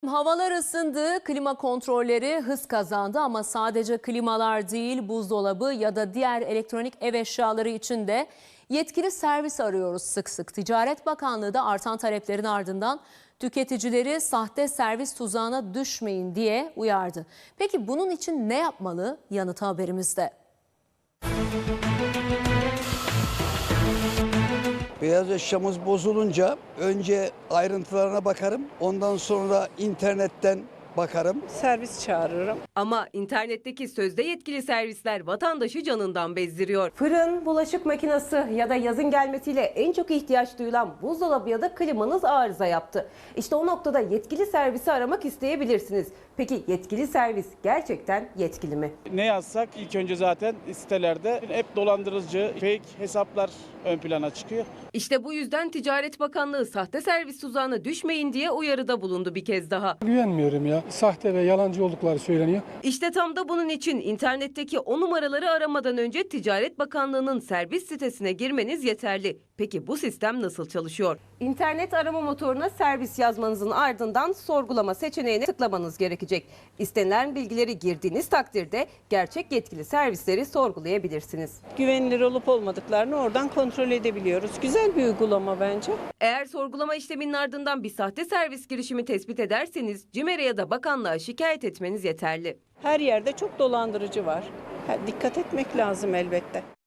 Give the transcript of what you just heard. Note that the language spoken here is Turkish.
Havalar ısındı, klima kontrolleri hız kazandı ama sadece klimalar değil, buzdolabı ya da diğer elektronik ev eşyaları için de yetkili servis arıyoruz sık sık. Ticaret Bakanlığı da artan taleplerin ardından tüketicileri sahte servis tuzağına düşmeyin diye uyardı. Peki bunun için ne yapmalı? Yanıtı haberimizde. Beyaz eşyamız bozulunca önce ayrıntılarına bakarım. Ondan sonra internetten bakarım. Servis çağırırım. Ama internetteki sözde yetkili servisler vatandaşı canından bezdiriyor. Fırın, bulaşık makinesi ya da yazın gelmesiyle en çok ihtiyaç duyulan buzdolabı ya da klimanız arıza yaptı. İşte o noktada yetkili servisi aramak isteyebilirsiniz. Peki yetkili servis gerçekten yetkili mi? Ne yazsak ilk önce zaten sitelerde hep dolandırıcı, fake hesaplar ön plana çıkıyor. İşte bu yüzden Ticaret Bakanlığı sahte servis tuzağına düşmeyin diye uyarıda bulundu bir kez daha. Güvenmiyorum ya. Sahte ve yalancı oldukları söyleniyor. İşte tam da bunun için internetteki o numaraları aramadan önce Ticaret Bakanlığı'nın servis sitesine girmeniz yeterli. Peki bu sistem nasıl çalışıyor? İnternet arama motoruna servis yazmanızın ardından sorgulama seçeneğine tıklamanız gerekecek. İstenilen bilgileri girdiğiniz takdirde gerçek yetkili servisleri sorgulayabilirsiniz. Güvenilir olup olmadıklarını oradan kontrol edebiliyoruz. Güzel bir uygulama bence. Eğer sorgulama işleminin ardından bir sahte servis girişimi tespit ederseniz CİMER'e ya da bakanlığa şikayet etmeniz yeterli. Her yerde çok dolandırıcı var. Dikkat etmek lazım elbette.